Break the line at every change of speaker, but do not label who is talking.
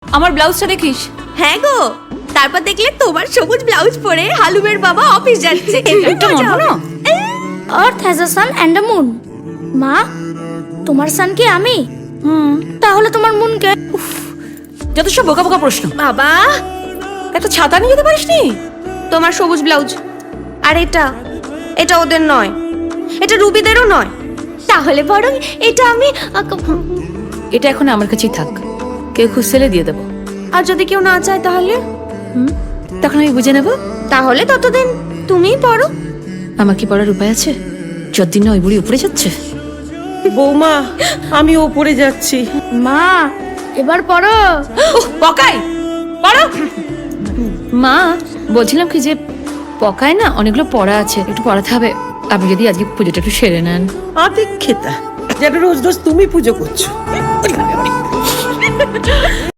আমার ব্লাউজটা দেখিস।
হ্যাঁ গো, তারপর দেখলে তোমার সবুজ ব্লাউজ পরে হালুমের বাবা অফিস যাচ্ছে।
এটা মনে না?
Earth has a sun and a moon. মা, তোমার সান কি আমি? তাহলে তোমার মুন কে?
যত সব বোকা বোকা প্রশ্ন।
বাবা,
একটা ছাতা নিয়ে যেতে পারিসনি?
তোমার সবুজ ব্লাউজ আর এটা ওদের নয়, এটা রুবিদেরও নয়। তাহলে বরং এটা আমি
এটা এখন আমার কাছেই থাক, কেউ খুঁজলে দিয়ে দেবো।
আর যদি কেউ না চায় তাহলে?
তখন আমি বুঝে নেব।
তাহলে ততদিন তুমিই পড়ো।
আমার কি পড়ার উপায় আছে যতদিন না ওই বুড়ি উপরে যাচ্ছে?
বৌমা, আমি ওপরে যাচ্ছি।
মা, এবার পড়ো।
পকাই পড়ো। মা, বলছিলাম কি যে পকায় না অনেকগুলো পড়া আছে, একটু পড়াতে হবে। আপনি যদি আজকে পুজোটা একটু সেরে নেন।
আদিক্ষেতা, যেন রোজ রোজ তুমি পুজো করছো।